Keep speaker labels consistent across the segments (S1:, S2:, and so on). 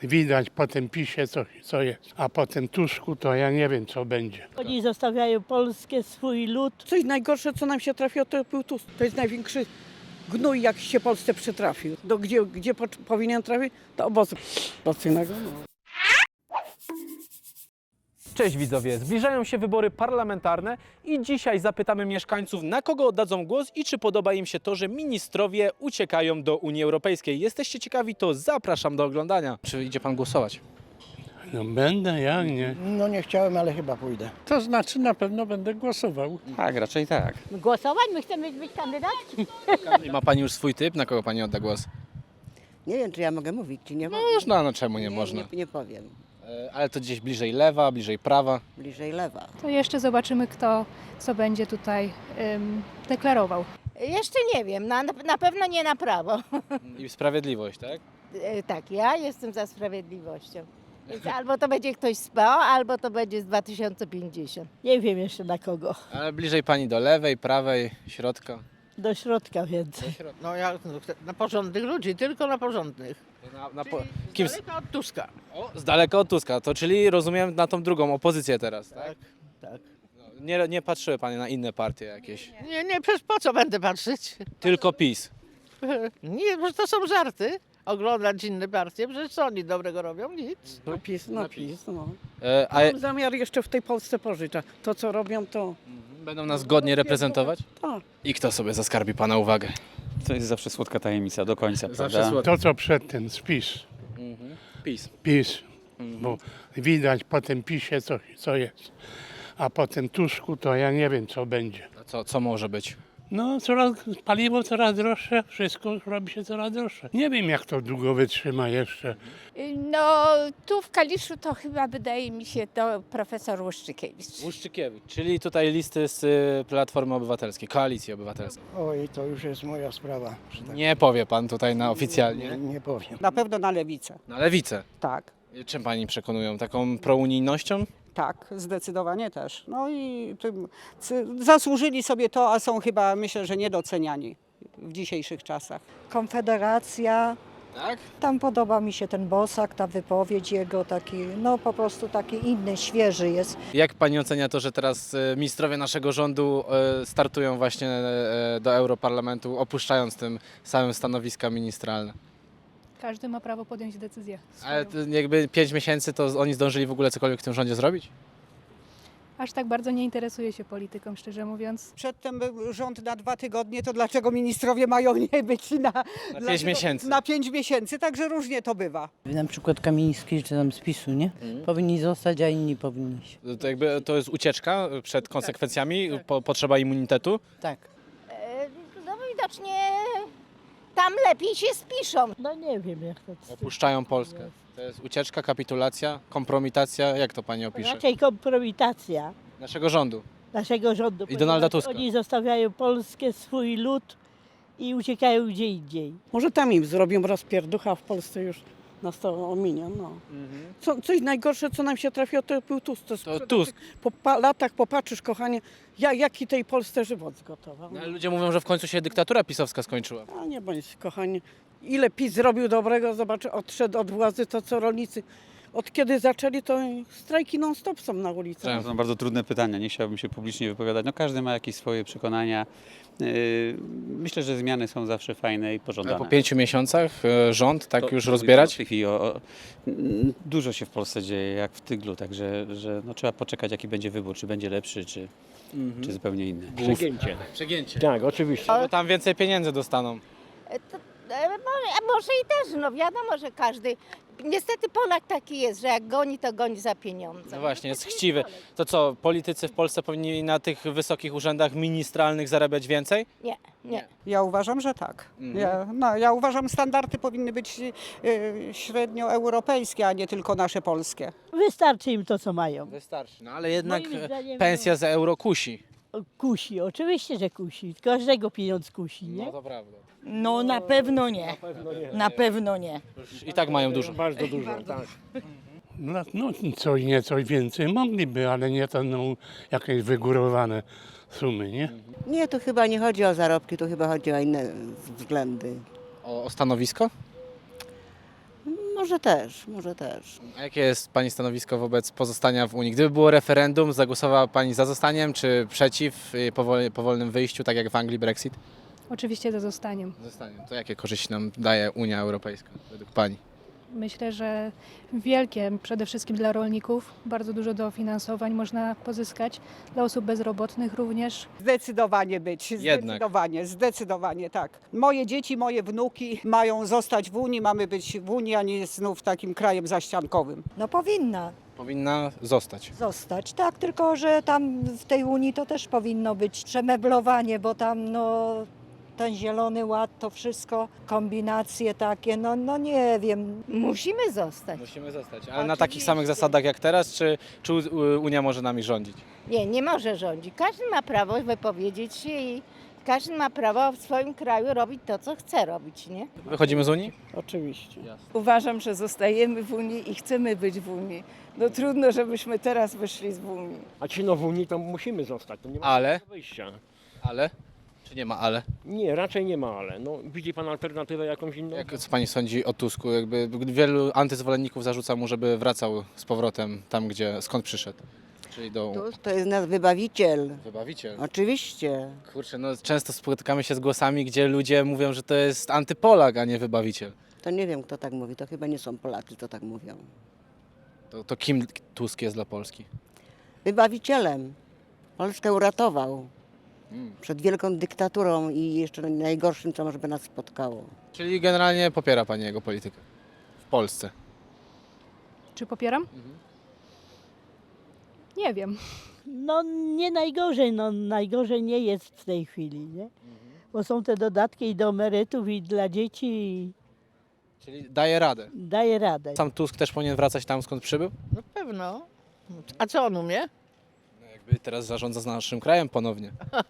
S1: widać po tym PiSie, co jest. A po tym Tuszku to ja nie wiem, co będzie.
S2: Oni zostawiają Polskę, swój lud.
S3: Coś najgorsze, co nam się trafiło, to był Tusk. To jest największy gnój, jak się Polsce przytrafił. Gdzie powinien trafić? Do obozu pracyjnego. No.
S4: Cześć widzowie, zbliżają się wybory parlamentarne i dzisiaj zapytamy mieszkańców, na kogo oddadzą głos i czy podoba im się to, że ministrowie uciekają do Unii Europejskiej. Jesteście ciekawi, to zapraszam do oglądania. Czy idzie pan głosować?
S1: No będę, jak nie.
S5: No nie chciałem, ale chyba pójdę.
S1: To znaczy na pewno będę głosował.
S6: Tak, raczej tak.
S2: Głosować? My chcemy być kandydatki.
S4: I ma pani już swój typ, na kogo pani odda głos?
S7: Nie wiem, czy ja mogę mówić, czy nie mogę.
S4: Można, no czemu nie można?
S7: Nie powiem.
S4: Ale to gdzieś bliżej lewa, bliżej prawa.
S7: Bliżej lewa.
S8: To jeszcze zobaczymy, kto co będzie tutaj deklarował.
S9: Jeszcze nie wiem, na pewno nie na prawo.
S4: I sprawiedliwość, tak?
S9: Tak, ja jestem za sprawiedliwością. Więc albo to będzie ktoś z PO, albo to będzie z 2050.
S2: Nie wiem jeszcze na kogo.
S4: Ale bliżej pani do lewej, prawej, środka.
S2: Do środka więcej.
S5: No ja na porządnych ludzi, tylko na porządnych.
S4: Kim?
S5: Daleko od Tuska.
S4: O, z daleka od Tuska, to czyli rozumiem na tą drugą opozycję teraz, tak?
S5: Tak, tak.
S4: Nie patrzyły panie na inne partie jakieś?
S5: Nie, przecież po co będę patrzeć?
S4: Tylko PiS.
S5: Nie, przecież to są żarty. Oglądać inne partie, przecież co oni dobrego robią? Nic.
S3: PiS, PiS. No.
S4: A
S3: Mam zamiar jeszcze w tej Polsce pożycia. To, co robią, to
S4: będą nas godnie reprezentować?
S3: tak.
S4: I kto sobie zaskarbi pana uwagę?
S6: To jest zawsze słodka tajemnica do końca,
S4: Zawsze
S6: prawda?
S4: słodko.
S1: To, co przedtem, spis.
S4: PiS.
S1: PiS, bo widać po tym PiSie, co jest. A po tym Tuszku to ja nie wiem, co będzie.
S4: A co może być?
S1: No, paliwo coraz droższe, wszystko robi się coraz droższe. Nie wiem, jak to długo wytrzyma jeszcze.
S10: No, tu w Kaliszu to chyba wydaje mi się to profesor Łuszczykiewicz.
S4: Łuszczykiewicz, czyli tutaj listy z Platformy Obywatelskiej, Koalicji Obywatelskiej.
S5: Oj, to już jest moja sprawa. Że tak
S4: Nie powie pan tutaj na oficjalnie.
S5: nie powiem.
S3: Na pewno na lewicę.
S4: Na lewicę.
S3: Tak.
S4: Czym pani przekonują? Taką prounijnością?
S3: Tak, zdecydowanie też. No i zasłużyli sobie to, a są chyba, myślę, że niedoceniani w dzisiejszych czasach.
S11: Konfederacja,
S4: Tak?
S11: tam podoba mi się ten Bosak, ta wypowiedź jego taki, no po prostu taki inny, świeży jest.
S4: Jak pani ocenia to, że teraz ministrowie naszego rządu startują właśnie do Europarlamentu, opuszczając tym samym stanowiska ministralne?
S8: Każdy ma prawo podjąć decyzję.
S4: Ale
S8: swoją.
S4: to jakby 5 miesięcy, to oni zdążyli w ogóle cokolwiek w tym rządzie zrobić?
S8: Aż tak bardzo nie interesuje się polityką, szczerze mówiąc.
S3: Przedtem był rząd na 2 tygodnie, to dlaczego ministrowie mają nie być na
S4: 5 miesięcy.
S3: Na 5 miesięcy, także różnie to bywa.
S7: Na przykład Kamiński, czy tam z PiS-u, nie? Powinni zostać, a inni powinni się.
S4: To jakby to jest ucieczka przed konsekwencjami, potrzeba immunitetu?
S7: Tak.
S9: No widocznie tam lepiej się spiszą.
S2: No nie wiem jak to.
S4: Opuszczają Polskę. To jest ucieczka, kapitulacja, kompromitacja, jak to pani opisze?
S2: Raczej kompromitacja
S4: Naszego rządu.
S2: naszego rządu.
S4: I Donalda
S2: ponieważ
S4: Tuska.
S2: Oni zostawiają Polskę, swój lud i uciekają gdzie indziej.
S3: Może tam im zrobią rozpierducha, a w Polsce już nas to ominie. No. Coś najgorsze, co nam się trafiło, to był Tusk.
S4: To Tusk.
S3: Po latach popatrzysz, kochanie, jaki tej Polsce żywot zgotował.
S4: No, ale ludzie mówią, że w końcu się dyktatura pisowska skończyła.
S3: A nie bądź, kochanie. Ile PiS zrobił dobrego, zobacz, odszedł od władzy, to co rolnicy. Od kiedy zaczęli, to strajki non-stop są na ulicach.
S6: To są bardzo trudne pytania, nie chciałbym się publicznie wypowiadać. No każdy ma jakieś swoje przekonania. Myślę, że zmiany są zawsze fajne i
S4: Ale
S6: pożądane.
S4: po 5 miesiącach rząd tak
S6: To-
S4: już
S6: to
S4: rozbierać?
S6: w tej chwili dużo się w Polsce dzieje, jak w tyglu, także no, trzeba poczekać, jaki będzie wybór, czy będzie lepszy, czy zupełnie inny.
S4: Przegięcie.
S5: Tak, oczywiście.
S4: Bo tam więcej pieniędzy dostaną.
S9: Może i też, no wiadomo, że każdy. Niestety Polak taki jest, że jak goni, to goni za pieniądze.
S4: No właśnie, jest chciwy. To co, politycy w Polsce powinni na tych wysokich urzędach ministralnych zarabiać więcej?
S9: Nie.
S3: Ja uważam, że tak. Ja uważam, standardy powinny być średnioeuropejskie, a nie tylko nasze polskie.
S2: Wystarczy im to, co mają.
S4: Wystarczy. No ale jednak
S2: Moim zdaniem,
S4: pensja za euro kusi.
S2: Kusi, oczywiście, że kusi. Każdego pieniądz kusi, nie?
S4: No to prawda.
S10: No na pewno nie. Na pewno nie.
S4: I tak mają dużo.
S5: Bardzo dużo, tak.
S1: No coś nieco więcej mogliby, ale nie to jakieś wygórowane sumy, nie?
S7: Nie, tu chyba nie chodzi o zarobki, tu chyba chodzi o inne względy.
S4: O stanowisko?
S3: Może też, może też.
S4: A jakie jest Pani stanowisko wobec pozostania w Unii? Gdyby było referendum, zagłosowała Pani za zostaniem, czy przeciw powolnym wyjściu, tak jak w Anglii Brexit?
S8: Oczywiście za zostaniem.
S4: Zostaniem. To jakie korzyści nam daje Unia Europejska według Pani?
S8: Myślę, że wielkie, przede wszystkim dla rolników, bardzo dużo dofinansowań można pozyskać, dla osób bezrobotnych również.
S3: Zdecydowanie być,
S4: Jednak.
S3: zdecydowanie tak. Moje dzieci, moje wnuki mają zostać w Unii, mamy być w Unii, a nie znów takim krajem zaściankowym.
S11: No powinna
S4: Powinna zostać.
S11: zostać, tak, tylko że tam w tej Unii to też powinno być przemeblowanie, bo tam no ten zielony ład, to wszystko, kombinacje takie, no nie wiem.
S9: Musimy zostać.
S4: Musimy zostać. Ale na takich samych zasadach jak teraz, czy Unia może nami rządzić?
S9: Nie może rządzić. Każdy ma prawo wypowiedzieć się i każdy ma prawo w swoim kraju robić to, co chce robić, nie?
S4: Wychodzimy z Unii?
S3: Oczywiście.
S2: Uważam, że zostajemy w Unii i chcemy być w Unii. No trudno, żebyśmy teraz wyszli z Unii.
S12: A ci w Unii to musimy zostać, to nie ma
S4: Ale?
S12: wyjścia.
S4: Ale? Czy nie ma ale?
S12: Nie, raczej nie ma ale. No, widzi pan alternatywę jakąś inną?
S4: Co Pani sądzi o Tusku? Jakby wielu antyzwolenników zarzuca mu, żeby wracał z powrotem tam, skąd przyszedł. Czyli do...
S3: To jest nasz wybawiciel.
S4: Wybawiciel.
S3: Oczywiście.
S4: Kurczę, no często spotykamy się z głosami, gdzie ludzie mówią, że to jest antypolak, a nie wybawiciel.
S3: To nie wiem, kto tak mówi, to chyba nie są Polacy, co tak mówią.
S4: To kim Tusk jest dla Polski?
S3: Wybawicielem. Polskę uratował przed wielką dyktaturą i jeszcze najgorszym, co może by nas spotkało.
S4: Czyli generalnie popiera Pani jego politykę w Polsce.
S8: Czy popieram? Nie wiem.
S2: No nie najgorzej, no najgorzej nie jest w tej chwili, nie? Bo są te dodatki i do emerytów i dla dzieci i
S4: Czyli daje radę.
S2: daje radę.
S4: Sam Tusk też powinien wracać tam, skąd przybył?
S5: No pewno. A co on umie?
S4: No jakby teraz zarządza z naszym krajem ponownie.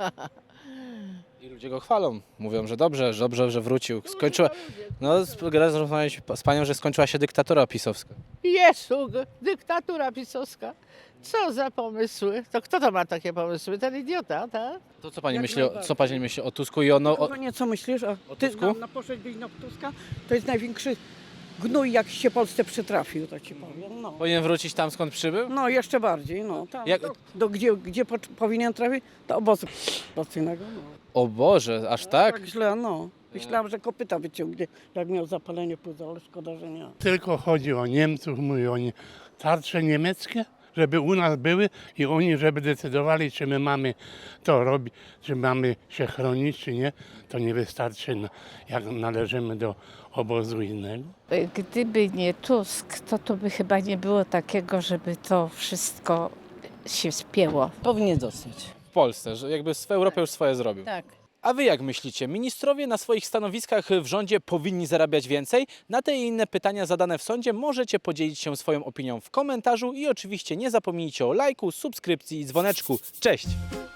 S4: I ludzie go chwalą. Mówią, że dobrze, że wrócił. Skończyła... No, rozmawialiśmy z Panią, że skończyła się dyktatura pisowska.
S5: Jezu, dyktatura pisowska. Co za pomysły? To kto to ma takie pomysły? Ten idiota, tak?
S4: To co Pani
S3: Jak
S4: myśli,
S3: najbardziej.
S4: co Pani myśli o Tusku i o...
S3: Kochanie, co myślisz? A
S4: O
S3: ty
S4: Tusku?
S3: na poszedłbyś na Tuska? To jest największy gnój, jak się Polsce przytrafił, to ci powiem. No,
S4: Powinien wrócić tam, skąd przybył?
S3: no jeszcze bardziej, no. Tam,
S4: Jak-
S3: gdzie powinien trafić? Do obozu koncentracyjnego. No.
S4: O Boże, aż tak?
S3: Tak źle, no. Myślałam, że kopyta wyciągnie, jak miał zapalenie płuca, ale szkoda, że nie.
S1: Tylko chodzi o Niemców, mówi o tarcze niemieckie, żeby u nas były i oni, żeby decydowali, czy my mamy to robić, czy mamy się chronić, czy nie. To nie wystarczy, jak należymy do obozu innego.
S10: Gdyby nie Tusk, to by chyba nie było takiego, żeby to wszystko się spięło.
S7: Powinien zostać.
S4: W Polsce, że jakby w Europie już swoje zrobił.
S7: Tak.
S4: A wy jak myślicie, ministrowie na swoich stanowiskach w rządzie powinni zarabiać więcej? Na te i inne pytania zadane w sądzie możecie podzielić się swoją opinią w komentarzu i oczywiście nie zapomnijcie o lajku, subskrypcji i dzwoneczku. Cześć!